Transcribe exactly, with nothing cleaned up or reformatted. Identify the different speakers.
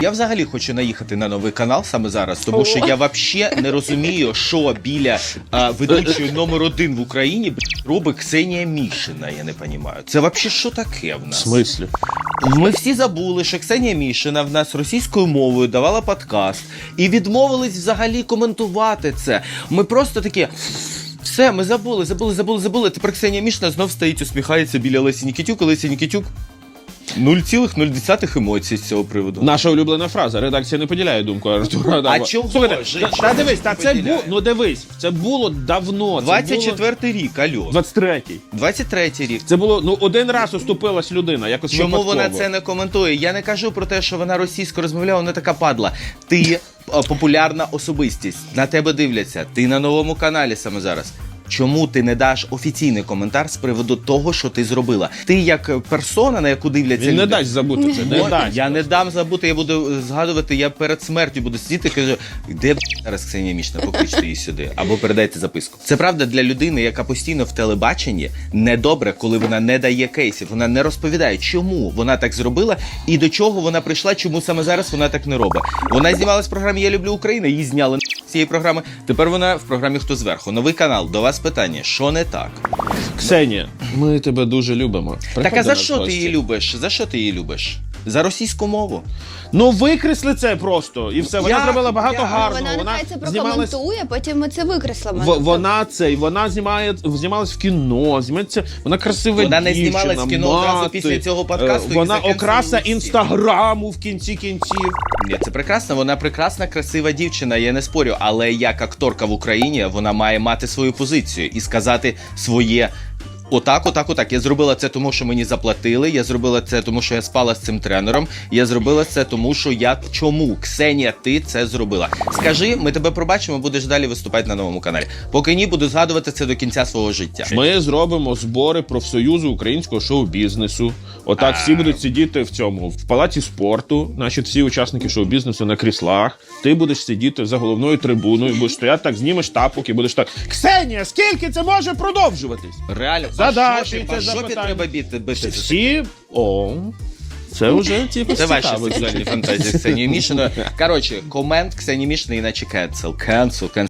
Speaker 1: Я взагалі хочу наїхати на новий канал саме зараз, тому що я взагалі не розумію, що біля а, ведучої номер один в Україні б, робить Ксенія Мішина, я не розумію. Це взагалі що таке в нас?
Speaker 2: В смислі?
Speaker 1: Ми всі забули, що Ксенія Мішина в нас російською мовою давала подкаст і відмовились взагалі коментувати це. Ми просто такі... Все, ми забули, забули, забули, забули. Тепер Ксенія Мішина знов стоїть, усміхається біля Лесі Нікітюк, і Лесі Нікітюк нуль цілих нуль емоцій з цього приводу.
Speaker 2: Наша улюблена фраза. Редакція не поділяє думку Артура.
Speaker 1: А чого?
Speaker 2: Слухайте,
Speaker 1: Жень,
Speaker 2: та, та дивись, та це
Speaker 1: поділяє?
Speaker 2: було, ну дивись, це було давно. Це
Speaker 1: двадцять четвертий рік, алло.
Speaker 2: двадцять третій.
Speaker 1: двадцять третій рік.
Speaker 2: Це було, ну, один раз оступилась людина, якось
Speaker 1: Чому
Speaker 2: випадково.
Speaker 1: вона це не коментує? Я не кажу про те, що вона російською розмовляла, вона така падла. Ти а, популярна особистість, на тебе дивляться, ти на новому каналі саме зараз. Чому ти не даш офіційний коментар з приводу того, що ти зробила? Ти як персона, на яку дивляться
Speaker 2: Він
Speaker 1: люди...
Speaker 2: не дасть забути це, не
Speaker 1: О,
Speaker 2: дасть.
Speaker 1: я не дам забути, я буду згадувати, я перед смертю буду сидіти і кажу, де б зараз Ксенія Мішина, покличте її сюди, або передайте записку. Це правда для людини, яка постійно в телебаченні, недобре, коли вона не дає кейсів, вона не розповідає, чому вона так зробила і до чого вона прийшла, чому саме зараз вона так не робить. Вона знімалась в програмі «Я люблю Україну», її зняли з цієї програми, тепер вона в програмі «Хто зверху». Новий канал, до вас питання, що не так?
Speaker 2: Ксенія, ми тебе дуже любимо.
Speaker 1: Так
Speaker 2: Приходь
Speaker 1: а
Speaker 2: до
Speaker 1: за
Speaker 2: нас
Speaker 1: що
Speaker 2: в
Speaker 1: ти
Speaker 2: гості.
Speaker 1: її любиш? За що ти її любиш? За російську мову?
Speaker 2: Ну викресли це просто, і все. Вона
Speaker 1: Як?
Speaker 2: зробила багато
Speaker 1: Як?
Speaker 2: гарного.
Speaker 3: Вона нехай це прокоментує, потім ми це викреслимо.
Speaker 2: В, вона це, вона знімає, знімалась в кіно, знімається, вона красива
Speaker 1: Вона не
Speaker 2: дівчина,
Speaker 1: знімалась в кіно одразу
Speaker 2: мати.
Speaker 1: після цього подкасту,
Speaker 2: Е,
Speaker 1: і
Speaker 2: Вона
Speaker 1: закінчила
Speaker 2: окраса
Speaker 1: всі.
Speaker 2: інстаграму в кінці кінців.
Speaker 1: Ні, це прекрасно, вона прекрасна, красива дівчина, я не спорю, але як акторка в Україні, вона має мати свою позицію і сказати своє отак, отак, отак. Я зробила це тому, що мені заплатили, я зробила це тому, що я спала з цим тренером, я зробила це тому, що я... Чому? Ксенія, ти це зробила. Скажи, ми тебе пробачимо, будеш далі виступати на новому каналі. Поки ні, буду згадувати це до кінця свого життя.
Speaker 2: Ми зробимо збори профсоюзу українського шоу-бізнесу. Отак всі будуть сидіти в цьому, в палаці спорту, значить всі учасники шоу-бізнесу на кріслах. Ти будеш сидіти за головною трибуною, будеш стояти так, знімеш тапок і будеш так: Ксенія, скільки це може продовжуватись?
Speaker 1: Реально,
Speaker 2: Задачі,
Speaker 1: по
Speaker 2: це
Speaker 1: жопі, по жопі
Speaker 2: запитання.
Speaker 1: треба бити, бити.
Speaker 2: Всі, о, це вже типу
Speaker 1: Це ваші
Speaker 2: цікаво.
Speaker 1: сексуальні фантазії Ксенії Мішиної. Коротше, комент Ксенії Мішиної, іначе cancel, cancel, cancel.